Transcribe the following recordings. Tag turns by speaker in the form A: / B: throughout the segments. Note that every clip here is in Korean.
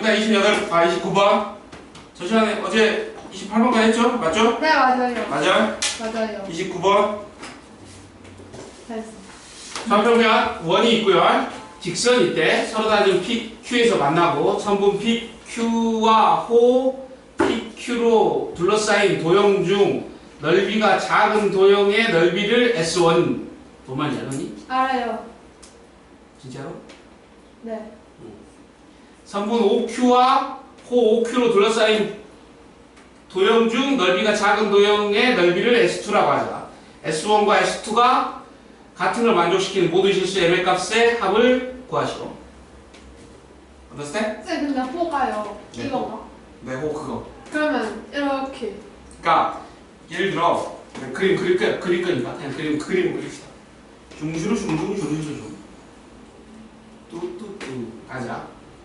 A: 됐다. 29번. 저 시간에 어제 28번까지 했죠? 맞죠?
B: 네, 맞아요.
A: 맞아요?
B: 맞아요.
A: 29번.
B: 됐어.
A: 좌표면 원이 있고요. 직선일 때 서로 다른 PQ에서 만나고 선분 PQ와 호 PQ로 둘러싸인 도형 중 넓이가 작은 도형의 넓이를 S1. 뭔 말인지 알았니?
B: 알아요.
A: 진짜로?
B: 네.
A: 선분 OQ와 호 OQ로 둘러싸인 도형 중 넓이가 작은 도형의 넓이를 S2라고 하자. S1과 S2가 같은 걸 만족시키는 모든 실수 M의 값의 합을 구하시오. understand?
B: 쌤, 근데 호가요.
A: 네.
B: 이거가.
A: 네, 호 그거.
B: 그러면 이렇게.
A: 그러니까 예를 들어 그림 그릴 거니까 그냥 그림 그립시다. 중 뚜뚜뚜 가자.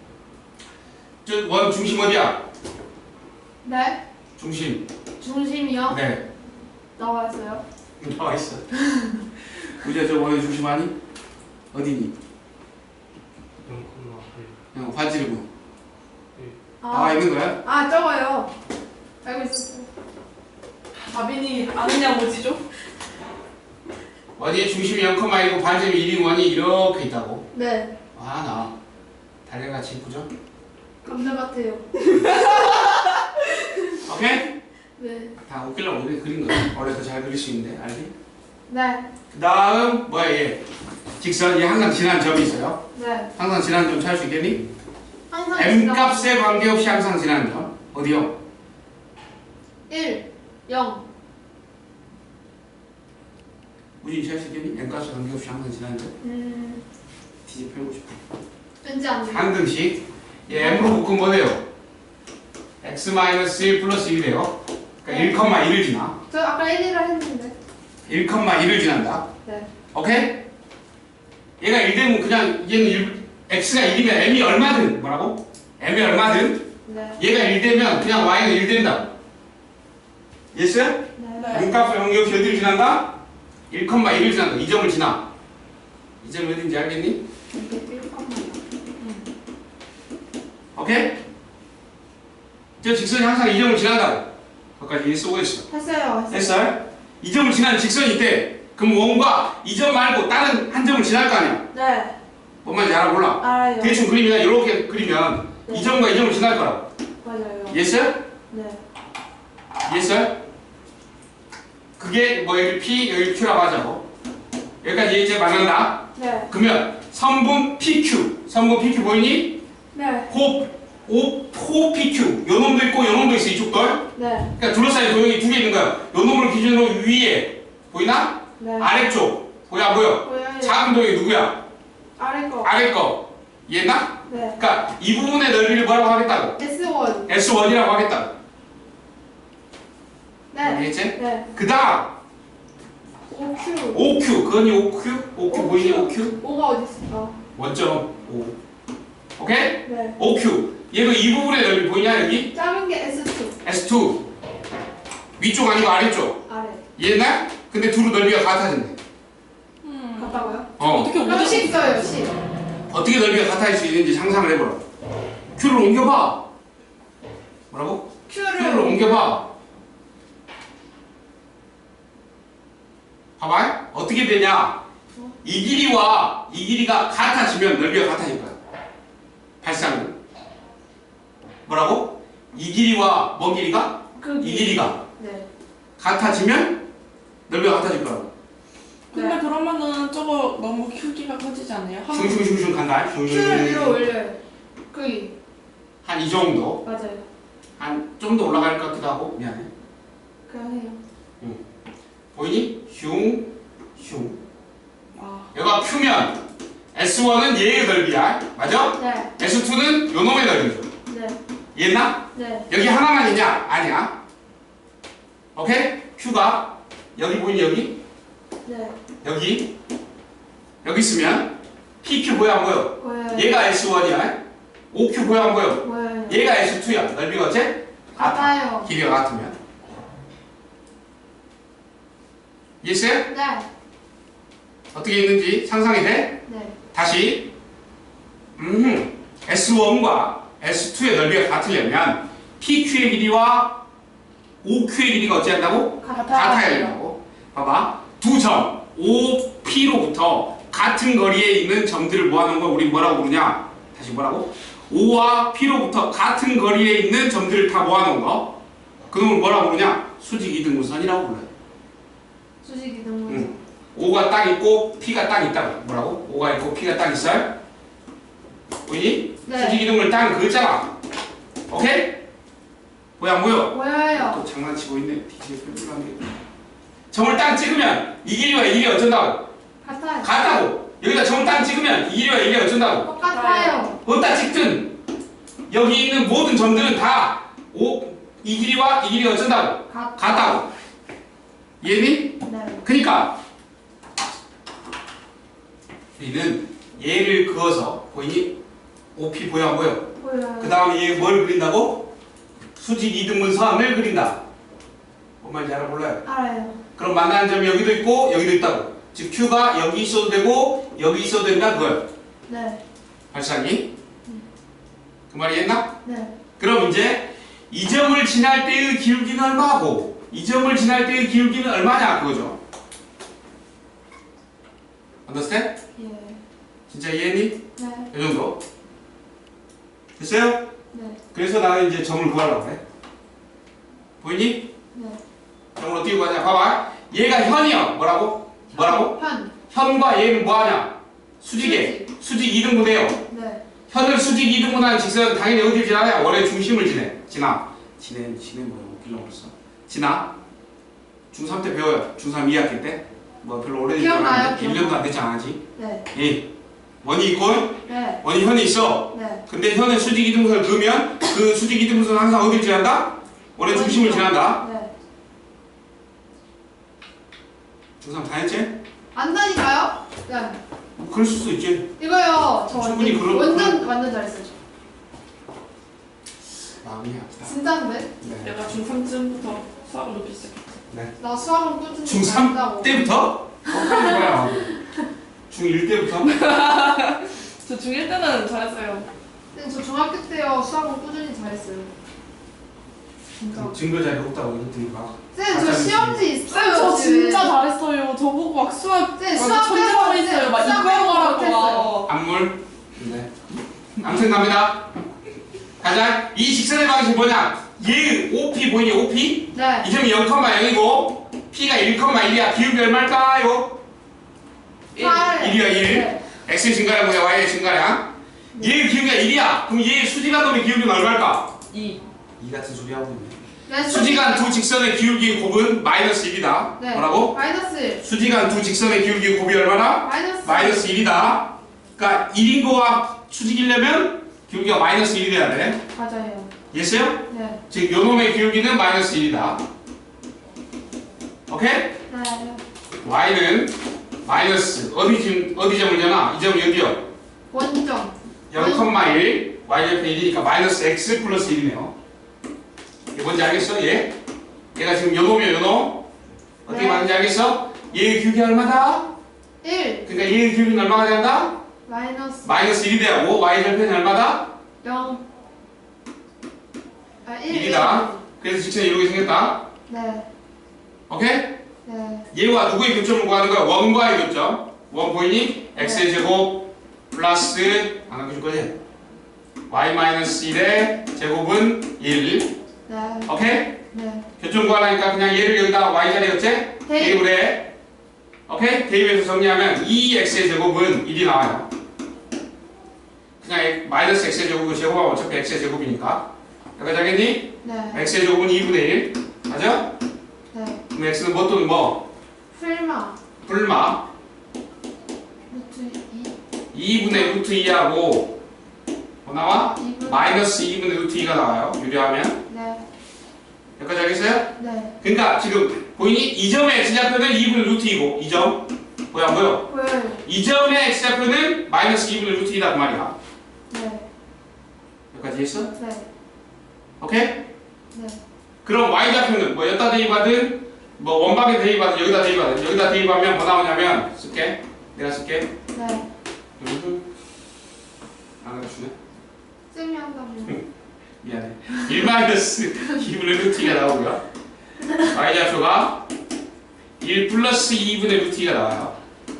A: 저 원 중심 어디야?
B: 네.
A: 중심.
B: 중심이요?
A: 네.
B: 나와 있어요.
A: 나와 있어. 우리가 저 원의 중심 아니? 어디니?
C: 0,8.
A: 그냥 화질이고.
B: 아,
A: 나와 있는 거야?
B: 아, 저거요. 알고 있었어요.
D: 다빈이 아느냐 뭐지죠?
A: 원의 중심이 0,1이고 반점이 1인 원이 이렇게 있다고.
B: 네.
A: 아, 나 달걀같이 이쁘죠?
B: 감자 같아요.
A: 오케이?
B: 네.
A: 다 웃기려고 우리 그린 거야. 원래 더 잘 그릴 수 있는데, 알지?
B: 네.
A: 그 다음 뭐야 얘? 직선. 얘 항상 지난 점이 있어요.
B: 네.
A: 항상 지난 점 찾을 수 있겠니?
B: 항상
A: M 값에 관계없이 항상 지나는 점. 어디요?
B: 1, 0.
A: 우진이 찾을 수 있겠니? M 값에 관계없이 항상 지나는 점. 뒤집어 펴고 싶어.
B: 왠지 안 돼요.
A: 한 등씩. 얘 M으로 묶으면 뭐 돼요? X-1 플러스 1이 돼요. 그러니까 1,1을 지나.
B: 저 아까 1이라 했는데.
A: 1,1을 지난다.
B: 네.
A: 오케이? 얘가 1 되면 그냥 얘는 X가 1이면 M이 얼마든 뭐라고? M이 얼마든
B: 네.
A: 얘가 1 되면 그냥 Y는 1 된다. 예스?
B: 네.
A: M 값을 관계없이 어디를 지난다? 1,1을 지난다. 이 점을 지나. 이 점이 어딘지 알겠니?
B: 이게 1,0.
A: 오케이? 저 직선이 항상 이 점을 지난다고. 거기까지 이해 쓰고 있어.
B: 했어요.
A: 됐어요? 이 점을 지나는 직선이 있대. 그럼 원과 이 점 말고 다른 한 점을 지날 거 아니야?
B: 네.
A: 뭔 말인지 알아 몰라?
B: 알아요.
A: 대충 그림이나 이렇게 그리면
B: 네.
A: 이 점과 이 점을 지날 거라고.
B: 맞아요.
A: 예스?
B: 네.
A: 예스? 그게 뭐 여기 P, 여기 Q라고 하자고. 여기까지 이제 만난다.
B: 네.
A: 그러면 선분 PQ. 선분 PQ 보이니?
B: 네.
A: 호 PQ. 요 놈도 있고 요 놈도 있어 이쪽도.
B: 네.
A: 그러니까 둘러싸인 도형이 두 개 있는 거야. 요 놈을 기준으로 위에 보이나?
B: 네.
A: 아래쪽 보여 안 보여?
B: 보여요.
A: 작은 도형이 누구야?
B: 아래 거.
A: 아래 거. 이해했나?
B: 네.
A: 그러니까 이 부분의 넓이를 뭐라고 하겠다고?
B: S1.
A: S1이라고 하겠다고.
B: 네.
A: 알겠지?
B: 네.
A: 그 다음
B: OQ.
A: OQ. 그거니 OQ? OQ 보이니 OQ?
B: 5가 어디 있을까?
A: 원점 5. 오케이?
B: 네.
A: OQ. 얘도 이 부분의 넓이 보이냐 여기?
B: 작은 게 S2.
A: S2. 위쪽 아니고 아래쪽.
B: 아래.
A: 이해했나? 근데 둘의 넓이가 같아진대.
B: 같다고요?
D: 어떻게
B: 그럼
D: 오지?
B: 10 써요. 10.
A: 어떻게 넓이가 같아질 수 있는지 상상을 해보라. Q를 옮겨봐. 뭐라고? Q를
B: Q를
A: 옮겨봐. 봐봐. 어떻게 되냐? 이 길이와 이 길이가 같아지면 넓이가 같아질 거야. 발상은. 뭐라고? 이 길이와 뭔 길이가? 이 길이가
B: 네.
A: 같아지면 넓이가 같아질 거라고.
D: 근데 그러면은 저거 너무 크기가 커지지 않아요?
A: 슝슝슝슝 간다.
B: Q를 위로
A: 슝슝.
B: 올려요. 거기.
A: 한 이 정도.
B: 맞아요.
A: 한 좀 더 올라갈 것 같기도 하고. 미안해.
B: 그냥 해요.
A: 보이니? 슝, 슝.
D: 아,
A: 얘가 Q면 S1은 얘의 넓이야. 맞아?
B: 네.
A: S2는 요 놈의 넓이죠.
B: 네.
A: 이해했나?
B: 네.
A: 여기 하나만 있냐? 아니야. 오케이? Q가 여기 보이니 여기?
B: 네.
A: 여기 있으면 PQ 보여 안 보여?
B: 보여요.
A: 얘가 S1이야. OQ 보여 안 보여?
B: 보여요.
A: 얘가 S2야. 넓이가 어째?
B: 같아요.
A: 길이가 같으면. 이해했어요?
B: 네.
A: 어떻게 있는지 상상이 돼?
B: 네.
A: 다시 S1과 S2의 넓이가 같으려면 PQ의 길이와 OQ의 길이가 어찌 한다고? 같아야 된다고. 봐봐. 두 점 OP로부터 같은 거리에 있는 점들을 모아놓은 걸 우리 뭐라고 부르냐? 다시 뭐라고? O와 P로부터 같은 거리에 있는 점들을 다 모아놓은 거. 그놈을 뭐라고 부르냐? 수직 이등분선이라고 불러요.
B: 수직 이등분선.
A: O가 딱 있고 P가 딱 있다고. 뭐라고? O가 있고 P가 딱 있어요? 보이니?
B: 네.
A: 수직 이등분을 딱 그었잖아. 오케이? 뭐야 뭐야?
B: 보여요.
A: 또 장난치고 있네. 뒤지게 뿔뿔하네. 점을 딱 찍으면 이 길이와 이 길이 어쩐다고?
B: 같아요.
A: 같다고. 여기다 점을 딱 찍으면 이 길이와 이 길이 어쩐다고?
B: 똑같아요.
A: 어디다 찍든 여기 있는 모든 점들은 다 이 길이와 이 길이가 어쩐다고? 같다고. 이해니?
B: 네.
A: 그러니까 우리는 얘를 그어서 보이니? OP 보여 안 보여?
B: 보여요.
A: 그 다음에 얘 뭘 그린다고? 수직 이등분선을 그린다. 뭔 말인지 알아 몰라요?
B: 알아요.
A: 그럼 만나는 점이 여기도 있고 여기도 있다고. 즉 Q가 여기 있어도 되고 여기 있어도 된다 그거야.
B: 네.
A: 발상이? 그 말이 했나?
B: 네.
A: 그럼 이제 이 점을 지날 때의 기울기는 얼마고 이 점을 지날 때의 기울기는 얼마냐 그거죠. understand?
B: 예.
A: 진짜 이해했니?
B: 네.
A: 이 정도. 됐어요?
B: 네.
A: 그래서 나는 이제 점을 구하려고 해. 보이니?
B: 네.
A: 점을 어떻게 구하냐? 봐봐. 얘가 현이야. 뭐라고? 뭐라고?
B: 현.
A: 현과 얘는 뭐하냐? 수직에. 수직 2등분해요.
B: 네.
A: 현을 수직 2등분하는 직선은 당연히 어디를 지나냐? 원의 중심을 지나. 지네 뭐야? 웃기려고 그랬어. 지나. 중3 때 배워요. 중3 2학기 때. 뭐 별로 오래되지
B: 기억나요?
A: 않았는데 1년도 안 됐지 않았지?
B: 네.
A: 예. 원이 있고
B: 네.
A: 원이 현이 있어.
B: 네.
A: 근데 현의 수직 이등분선을 그으면 그 수직 이등분선은 항상 어디를 지난다? 원의 중심을 지난다.
B: 네.
A: 중3 다 했지?
B: 안다니까요? 네.
A: 뭐 그럴 수도 있지.
B: 이거요. 저
A: 충분히
B: 완전 잘했어요.
A: 마음이 아프다.
B: 진짜인데?
A: 네.
D: 내가 중3쯤부터 수학을 높이 시작했어.
A: 네.
B: 나 수학은 꾸준히
A: 중3
B: 잘한다고.
A: 때부터? 뭐야? 중1 때부터?
D: 저 중1 때는 잘했어요.
B: 근데 저 중학교 때요 수학은 꾸준히 잘했어요. 진짜.
A: 증거 자료 없다고 이랬더니 막.
B: 쌤, 저 시험지 있어요.
D: 저
B: 집에.
D: 진짜 잘했어요. 저보고 막 수학
B: 네, 수학
D: 천재만했어요. 막
B: 수학
D: 이거 하라고
B: 못했어요.
D: 막.
A: 안물? 네. 아무튼 갑니다. 가자. 이 직선의 방식이 뭐냐? 얘 OP 보이니? OP?
B: 네.
A: 이 점이 0,0이고 P가 1,1이야. 기울기 얼마일까요?
B: 8.
A: 1이야 1.
B: 네.
A: X의 증가량 뭐야? Y의 증가량? 얘의 기울기가 1이야. 그럼 얘의 수직한 놈의 기울기는 얼마일까?
D: 2.
A: 이 같은 소리 하고 있네.
B: 네,
A: 수직한 두 직선의 기울기 곱은 마이너스 1이다.
B: 네.
A: 뭐라고?
B: 마이너스 1.
A: 수직한 두 직선의 기울기 곱이 얼마나? 마이너스 1이다. 그러니까 1인 거와 수직이려면 기울기가 마이너스 1이 돼야 돼.
B: 맞아요.
A: 이해했어요?
B: 네.
A: 즉 요놈의 기울기는 마이너스 1이다. 오케이?
B: 네.
A: y는 마이너스 어디 점을 잖아? 이 점이 어디요?
B: 원점.
A: 0,1 y좌표 1이니까 마이너스 x 플러스 1이네요. 이게 뭔지 알겠어? 얘가 지금 요놈이야 요놈. 어떻게
B: 네.
A: 맞는지 알겠어? 얘의 기울기 얼마다?
B: 1.
A: 그러니까 얘의 기울기는 얼마가 된다?
B: 마이너스
A: 1이 되고 y좌표는 얼마다?
B: 0. 아, 1.
A: 1이다. 그래서 직선이 이렇게 생겼다.
B: 네.
A: 오케이?
B: 네.
A: 얘와 누구의 교점을 구하는 거야? 원과의 교점. 원 보이니? x의 제곱 플러스 안 남겨줄 거지? y 마이너스 1의 제곱은 1.
B: 네.
A: 오케이?
B: 네.
A: 교점 구하려니까 그냥 얘를 여기다 y 자리에 어째? 대입을 해. 오케이? 대입해서 정리하면 2x의 제곱은 1이 나와요. 그냥 마이너스 x의 제곱을 제곱하면 어차피 x의 제곱이니까. 여기까지 하겠니?
B: 네.
A: x의 제곱은 2분의 1. 맞아?
B: 네.
A: 그럼 x는 뭐 또는 뭐?
B: 풀마.
A: 불마.
B: 루트
A: 2분의 루트 2하고 뭐 나와?
B: 2분.
A: 마이너스 2분의 루트 2가 나와요. 유리하면.
B: 네.
A: 여기까지 알겠어요?
B: 네.
A: 그러니까 지금 보이니? 이 점의 x좌표는 2분의 루트 2고 이 점 뭐야 안 보여?
B: 보여요.
A: 이 점의 x좌표는 마이너스 2분의 루트 2다 그 말이야.
B: 네.
A: 여기까지 했어?
B: 네.
A: 오케이?
B: 네.
A: 그럼 y좌표는 뭐 여기다 대입하든 뭐 원방에 대입하든 여기다 대입하든 여기다 대입하면 뭐 나오냐면 쓸게. 내가 쓸게.
B: 네.
A: 안 가르치네.
B: 쌤이 한다며.
A: 미안해. 1 마이너스 2분의 루트 2가 나오고요. y좌표가 1 플러스 2분의 루트 2가 나와요.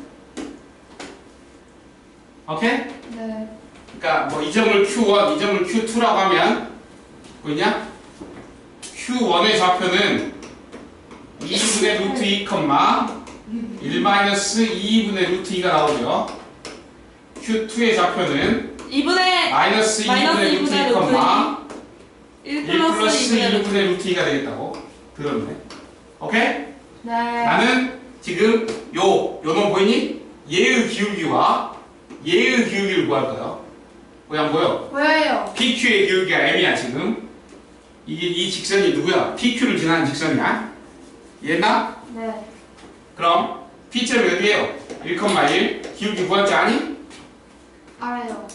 A: 오케이?
B: 네.
A: 그러니까 뭐 이 점을 Q1, 이 점을 Q2라고 하면 보이냐? Q1의 좌표는 2분의 루트 2, 1 마이너스 2분의 루트 2가 나오죠. Q2의 좌표는
D: 2분의
A: 마이너스 2분의 루트 2,
D: 1
A: 1 플러스
D: 2분의
A: 2분의 루트 2가 되겠다고 들었네. 오케이?
B: 네.
A: 나는 지금 요놈 보이니? 얘의 기울기와 얘의 기울기를 구할 거예요. 보여 안 보여?
B: 보여요.
A: PQ의 기울기가 M이야 지금. 이게 이 직선이 누구야? PQ를 지나는 직선이야. 이해했나?
B: 네.
A: 그럼 P점이 어디예요? 1,1 기울기 구할 줄 아니?
B: 알아요.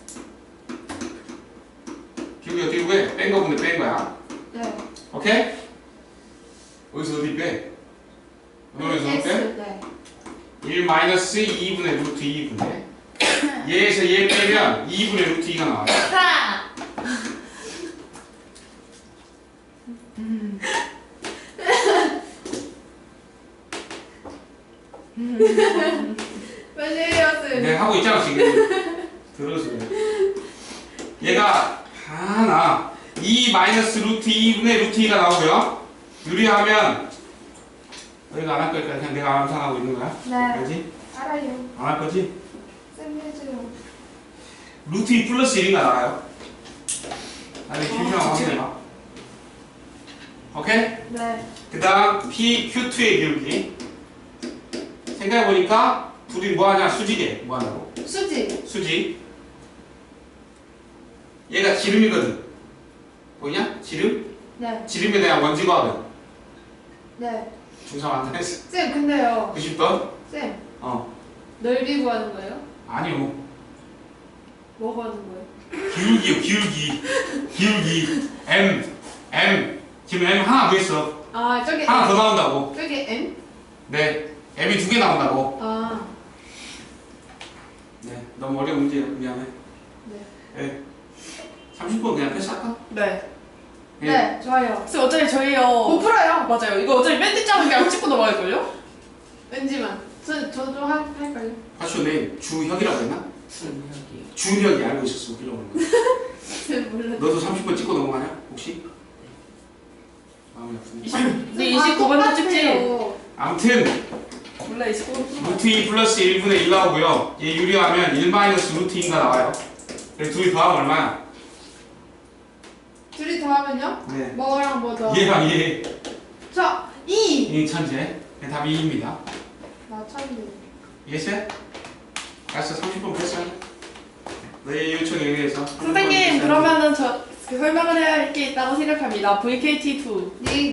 A: 기울기 어떻게 구해? 뺀 거분데 뺀 거야.
B: 네.
A: 오케이? 어디서 어디 빼? 어디서 어디 빼?
B: 네.
A: 1 마이너스 2분의 루트 2분의 얘에서 얘 빼면 2분의 루트 2가 나와요.
B: 빨리 해요, 쌤.
A: 내가 하고 있잖아 지금. 들어서 그래. 얘가 하나 2 마이너스 루트 2분의 루트 2가 나오고요. 유리하면 너희가 안 할 거니까 그냥 내가 암산하고 있는 거야.
B: 네.
A: 알지?
B: 알아요.
A: 안 할 거지?
B: 쌤 해줘요.
A: 루트 2 플러스 1인가 나와요. 나중에 균형 확인해봐. 오케이?
B: 네.
A: 그 다음 PQ2의 기울기. 생각해보니까 둘이 뭐하냐? 수직에 뭐하냐고?
B: 수지.
A: 수직. 얘가 지름이거든. 보이냐? 지름?
B: 네.
A: 지름에 대한 원지거든.
B: 네.
A: 중상 완성했어.
B: 쌤, 근데요.
A: 90번?
B: 쌤,
A: 어.
B: 넓이 구하는 거예요?
A: 아니요.
B: 뭐 구하는 거예요?
A: 기울기요, 기울기. 기울기. M. 지금 M 하나 더 있어.
B: 아, 저기
A: 하나 더 나온다고.
B: 저기 M?
A: 네. M이 2개 나온다고.
B: 아,
A: 네. 너무 어려운 문제야. 미안해.
B: 네.
A: 네. 30분 그냥 패스할까?
D: 네.
B: 네, 좋아요.
D: 쌤 어차피 저희요.
B: 못 풀어요.
D: 맞아요. 이거 어차피 밴드 짜는 게 찍고 넘어갈걸요?
B: 왠지만. 저도 할걸요.
A: 사실 내 주혁이라고 했나?
C: 순혁이요.
A: 주혁이 알고 있었어. 웃기려고 그런 거야.
B: 쌤 몰라.
A: 너도 30분 찍고 넘어가냐? 혹시? 마음이 아프네.
D: 네, 29번도 찍지.
A: 아무튼
D: 몰라 29번.
A: 루트 2 플러스 1분의 1 나오고요. 얘 유리하면 1 마이너스 루트 2가 나와요. 그래서 둘이 더하면 얼마야?
B: 둘이 더하면요?
A: 네.
B: 뭐랑 뭐 더?
A: 얘랑 얘.
B: 저 2.
A: 이 천재. 답이 2입니다.
B: 나 천재.
A: 이해했어요? 알았어. 30분 패스하자. 너의 요청에 의해서.
D: 선생님 그러면은 저 설명을 해야 할 게 있다고 생각합니다. VKT2.
B: 네